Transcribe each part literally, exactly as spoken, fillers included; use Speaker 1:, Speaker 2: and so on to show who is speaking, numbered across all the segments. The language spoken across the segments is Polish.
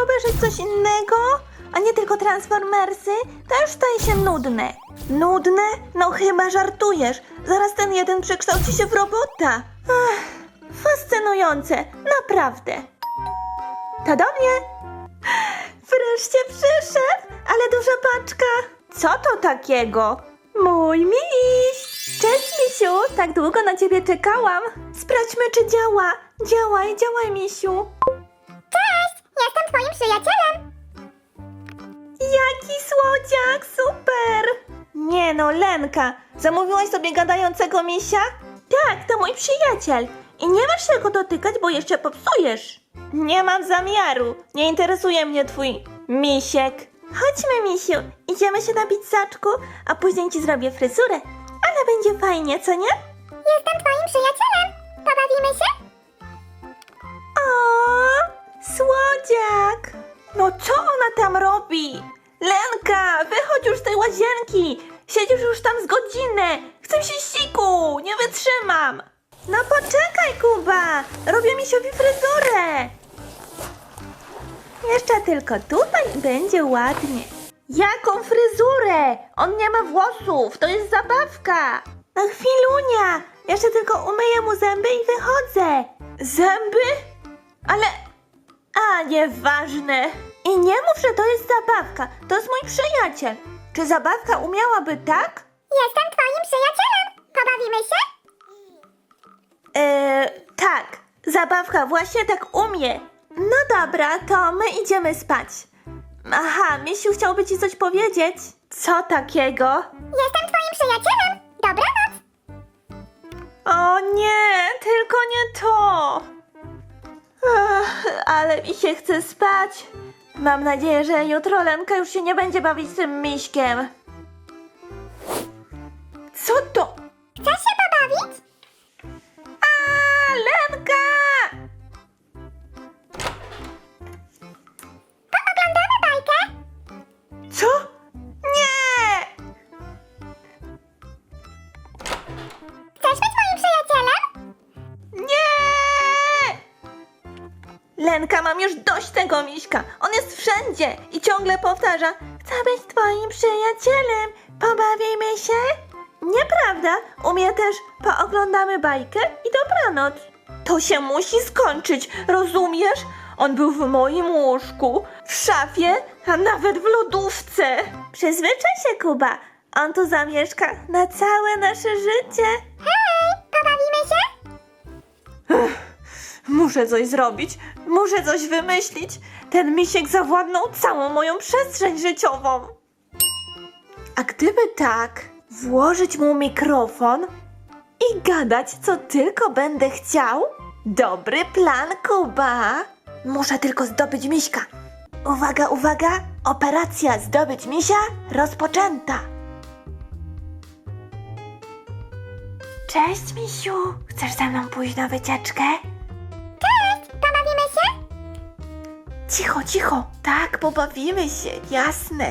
Speaker 1: obejrzeć coś innego? A nie tylko Transformersy? To już staje się nudne. Nudne? No chyba żartujesz. Zaraz ten jeden przekształci się w robota. Ach, fascynujące, naprawdę. To do mnie. Wreszcie przyszedł, ale duża paczka. Co to takiego? Mój miś! Cześć, misiu! Tak długo na ciebie czekałam. Sprawdźmy, czy działa. Działaj, działaj, misiu.
Speaker 2: Cześć! Jestem twoim przyjacielem!
Speaker 1: Jaki słodziak, super! Nie no, Lenka, zamówiłaś sobie gadającego misia? Tak, to mój przyjaciel. I nie masz się go dotykać, bo jeszcze popsujesz. Nie mam zamiaru. Nie interesuje mnie twój misiek. Chodźmy, misiu. Idziemy się napić saczku, a później ci zrobię fryzurę. Ale będzie fajnie, co nie?
Speaker 2: Jestem twoim przyjacielem! Pobawimy się?
Speaker 1: O, słodziak! No co ona tam robi? Lenka, wychodź już z tej łazienki! Siedzisz już tam z godzinę! Chcę się siku! Nie wytrzymam! No poczekaj, Kuba! Robię misiowi fryzurę! Jeszcze tylko tutaj będzie ładnie. Jaką fryzurę? On nie ma włosów, to jest zabawka! No chwilunia! Jeszcze tylko umyję mu zęby i wychodzę! Zęby? Ale... A, nieważne. I nie mów, że to jest zabawka. To jest mój przyjaciel. Czy zabawka umiałaby tak?
Speaker 2: Jestem twoim przyjacielem! Pobawimy się?
Speaker 1: Eee, tak. Zabawka właśnie tak umie. No dobra, to my idziemy spać. Aha, Misiu chciałby ci coś powiedzieć. Co takiego?
Speaker 2: Jestem twoim przyjacielem! Dobranoc!
Speaker 1: O nie, tylko nie to. Ach, ale mi się chce spać. Mam nadzieję, że jutro Lenka już się nie będzie bawić z tym miśkiem. Co to?
Speaker 2: Chcesz się pobawić?
Speaker 1: A, Lenka!
Speaker 2: Pooglądamy bajkę?
Speaker 1: Co? Nie!
Speaker 2: Chcesz być moim przyjacielem?
Speaker 1: Nie! Lenka, mam już dość tego miśka. On jest wszędzie i ciągle powtarza: chcę być twoim przyjacielem, pobawimy się? Nieprawda, u mnie też pooglądamy bajkę i dobranoc. To się musi skończyć, rozumiesz? On był w moim łóżku, w szafie, a nawet w lodówce. Przyzwyczaj się, Kuba. On tu zamieszka na całe nasze życie.
Speaker 2: Hej! Pobawimy się?
Speaker 1: Muszę coś zrobić, muszę coś wymyślić. Ten misiek zawładnął całą moją przestrzeń życiową. A gdyby tak, włożyć mu mikrofon i gadać, co tylko będę chciał? Dobry plan, Kuba. Muszę tylko zdobyć miśka. Uwaga, uwaga, operacja zdobyć misia rozpoczęta. Cześć, misiu. Chcesz ze mną pójść na wycieczkę?
Speaker 2: Cześć! Pobawimy się?
Speaker 1: Cicho, cicho. Tak, pobawimy się, jasne.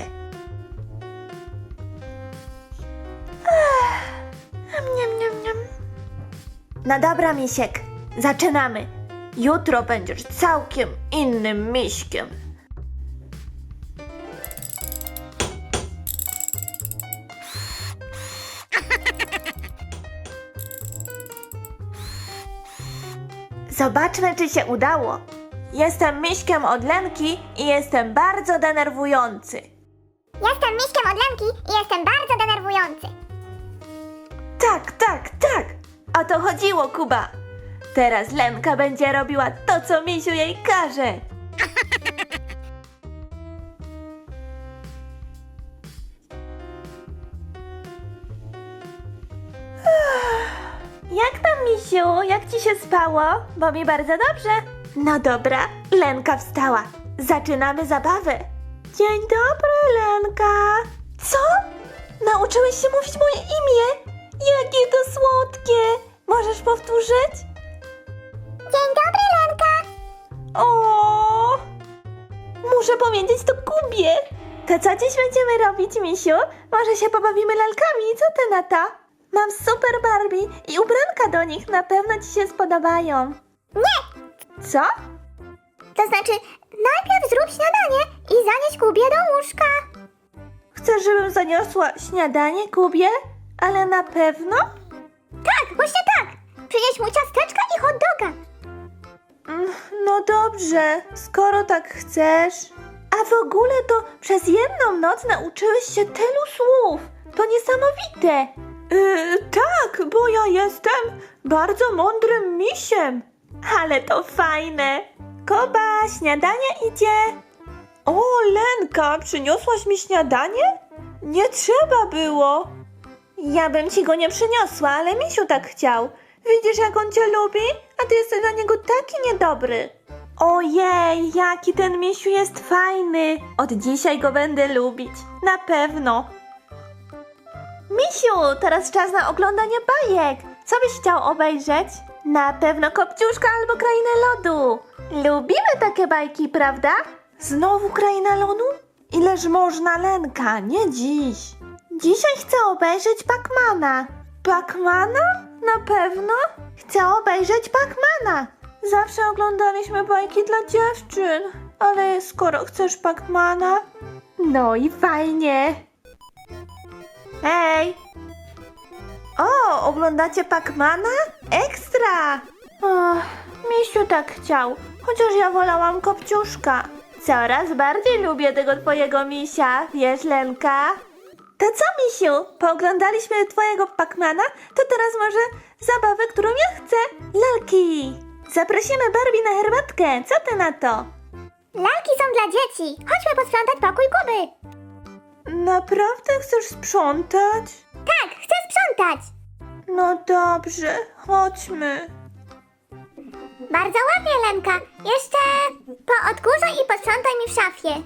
Speaker 1: Ech, niam, niam, niam. No dobra, misiek, zaczynamy. Jutro będziesz całkiem innym miśkiem. Zobaczmy, czy się udało. Jestem miśkiem od Lenki i jestem bardzo denerwujący.
Speaker 2: Jestem miśkiem od Lenki i jestem bardzo denerwujący.
Speaker 1: Tak, tak, tak. O to chodziło, Kuba. Teraz Lenka będzie robiła to, co misiu jej każe. Jak tam, misiu? Jak ci się spało? Bo mi bardzo dobrze. No dobra, Lenka wstała. Zaczynamy zabawę. Dzień dobry, Lenka. Co? Nauczyłeś się mówić moje imię? Jakie to słodkie. Możesz powtórzyć?
Speaker 2: Dzień dobry, Lenka!
Speaker 1: O! Muszę powiedzieć to Kubie. To co dziś będziemy robić, misiu? Może się pobawimy lalkami, co ty na to? Mam super Barbie i ubranka do nich, na pewno ci się spodobają.
Speaker 2: Nie!
Speaker 1: Co?
Speaker 2: To znaczy, najpierw zrób śniadanie i zanieś Kubie do łóżka.
Speaker 1: Chcesz, żebym zaniosła śniadanie Kubie? Ale na pewno?
Speaker 2: Tak, właśnie tak. Przynieś mu ciasteczka i hot doga.
Speaker 1: Mm, No dobrze, skoro tak chcesz. A w ogóle to przez jedną noc nauczyłeś się tylu słów. To niesamowite. Yy, tak, bo ja jestem bardzo mądrym misiem. Ale to fajne. Kuba, śniadanie idzie. O, Lenka, przyniosłaś mi śniadanie? Nie trzeba było. Ja bym ci go nie przyniosła, ale misiu tak chciał. Widzisz, jak on cię lubi? A ty jesteś dla niego taki niedobry. Ojej, jaki ten misiu jest fajny. Od dzisiaj go będę lubić. Na pewno. Misiu, teraz czas na oglądanie bajek. Co byś chciał obejrzeć? Na pewno Kopciuszka albo Krainę Lodu. Lubimy takie bajki, prawda? Znowu Kraina Lodu? Ileż można, Lenka, nie dziś. Dzisiaj chcę obejrzeć Pacmana. Pacmana? Na pewno? Chcę obejrzeć Pacmana. Zawsze oglądaliśmy bajki dla dziewczyn. Ale skoro chcesz Pacmana... No i fajnie. Hej! O, oglądacie Pacmana? Ekstra! Och, Misiu tak chciał, chociaż ja wolałam Kopciuszka. Coraz bardziej lubię tego twojego misia, wiesz, Lenka? To co, Misiu? Pooglądaliśmy twojego Pacmana? To teraz może zabawę, którą ja chcę. Lalki! Zaprosimy Barbie na herbatkę. Co ty na to?
Speaker 2: Lalki są dla dzieci. Chodźmy posprzątać pokój Kuby.
Speaker 1: Naprawdę chcesz sprzątać?
Speaker 2: Tak, chcę sprzątać.
Speaker 1: No dobrze, chodźmy.
Speaker 2: Bardzo ładnie, Lenka. Jeszcze poodkurzaj i posprzątaj mi w szafie.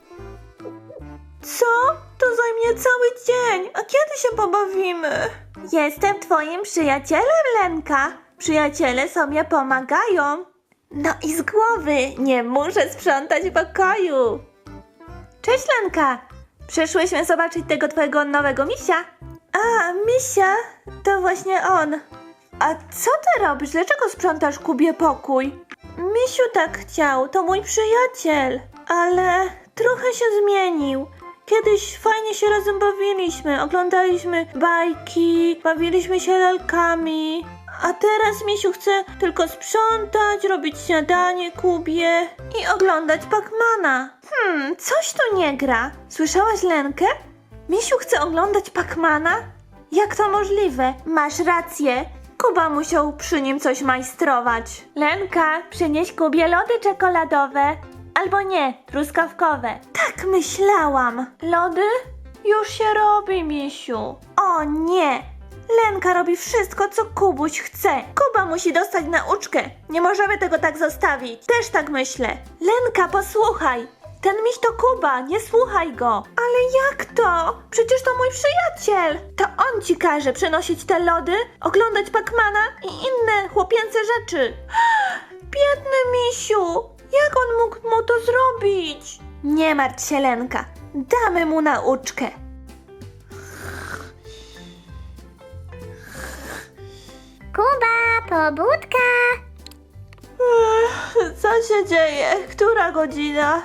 Speaker 1: Co? To zajmie cały dzień. A kiedy się pobawimy? Jestem twoim przyjacielem, Lenka. Przyjaciele sobie pomagają. No i z głowy. Nie muszę sprzątać pokoju. Cześć, Lenka. Przyszłyśmy zobaczyć tego twojego nowego misia. A, misia? To właśnie on. A co ty robisz? Dlaczego sprzątasz Kubie pokój? Misiu tak chciał, to mój przyjaciel. Ale trochę się zmienił. Kiedyś fajnie się razem bawiliśmy, oglądaliśmy bajki, bawiliśmy się lalkami. A teraz Misiu chce tylko sprzątać, robić śniadanie Kubie i oglądać Pacmana. Hmm, coś tu nie gra. Słyszałaś, Lenkę? Misiu chce oglądać Pacmana? Jak to możliwe? Masz rację. Kuba musiał przy nim coś majstrować. Lenka, przynieś Kubie lody czekoladowe. Albo nie, truskawkowe. Tak myślałam. Lody? Już się robi, Misiu. O nie! Lenka robi wszystko, co Kubuś chce. Kuba musi dostać nauczkę. Nie możemy tego tak zostawić. Też tak myślę. Lenka, posłuchaj. Ten miś to Kuba, nie słuchaj go. Ale jak to? Przecież to mój przyjaciel. To on ci każe przenosić te lody, oglądać Pacmana i inne chłopięce rzeczy. Biedny misiu. Jak on mógł mu to zrobić? Nie martw się, Lenka. Damy mu nauczkę.
Speaker 2: Kuba, pobudka.
Speaker 1: Ech, co się dzieje? Która godzina?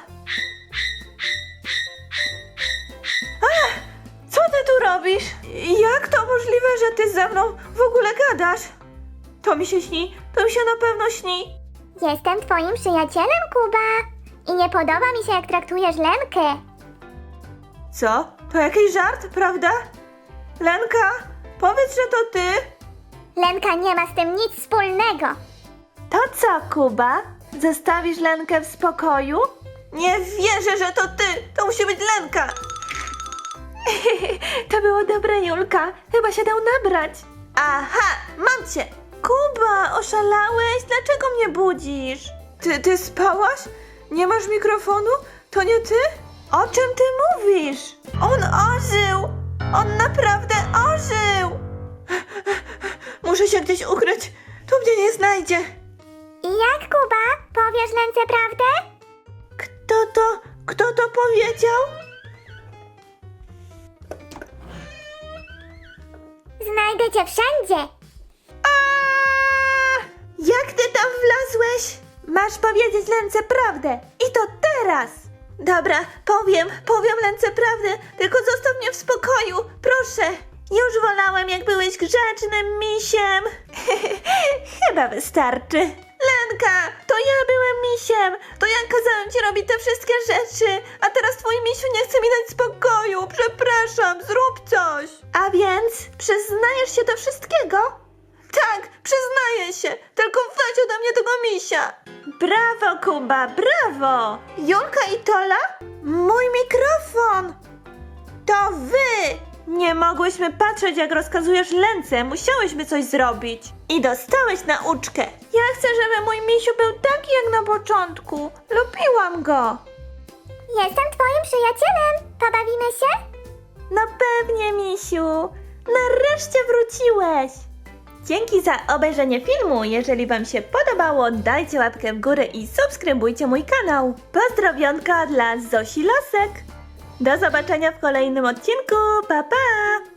Speaker 1: Ach, co ty tu robisz? Jak to możliwe, że ty ze mną w ogóle gadasz? To mi się śni, to mi się na pewno śni.
Speaker 2: Jestem twoim przyjacielem, Kuba. I nie podoba mi się, jak traktujesz Lenkę.
Speaker 1: Co? To jakiś żart, prawda? Lenka, powiedz, że to ty.
Speaker 2: Lenka nie ma z tym nic wspólnego.
Speaker 1: To co, Kuba? Zostawisz Lenkę w spokoju? Nie wierzę, że to ty! To musi być Lenka! To było dobre, Julka. Chyba się dał nabrać. Aha, mam cię! Kuba, oszalałeś? Dlaczego mnie budzisz? Ty, ty spałaś? Nie masz mikrofonu? To nie ty? O czym ty mówisz? On ożył! On naprawdę ożył! Muszę się gdzieś ukryć. Tu mnie nie znajdzie.
Speaker 2: I jak, Kuba? Powiesz Lence prawdę?
Speaker 1: Kto to, kto to powiedział?
Speaker 2: Znajdę cię wszędzie.
Speaker 1: A! Jak ty tam wlazłeś? Masz powiedzieć Lence prawdę. I to teraz. Dobra, powiem, powiem Lence prawdę, tylko zostaw mnie w spokoju, proszę. Już wolałem, jak byłeś grzecznym misiem. Chyba wystarczy. Lenka, to ja byłem misiem. To ja kazałem ci robić te wszystkie rzeczy, a teraz twój misiu nie chce mi dać spokoju. Przepraszam, zrób coś. A więc przyznajesz się do wszystkiego? Tak, przyznaję się. Tylko weź ode mnie tego misia. Brawo, Kuba, brawo. Julka i Tola? Mój mikrofon. To wy! Nie mogłyśmy patrzeć, jak rozkazujesz Lence. Musiałyśmy coś zrobić. I dostałeś nauczkę. Ja chcę, żeby mój misiu był taki jak na początku. Lubiłam go.
Speaker 2: Jestem twoim przyjacielem. Pobawimy się?
Speaker 1: No pewnie, misiu. Nareszcie wróciłeś. Dzięki za obejrzenie filmu. Jeżeli wam się podobało, dajcie łapkę w górę i subskrybujcie mój kanał. Pozdrowionka dla Zosi Lasek. Do zobaczenia w kolejnym odcinku. Pa, pa!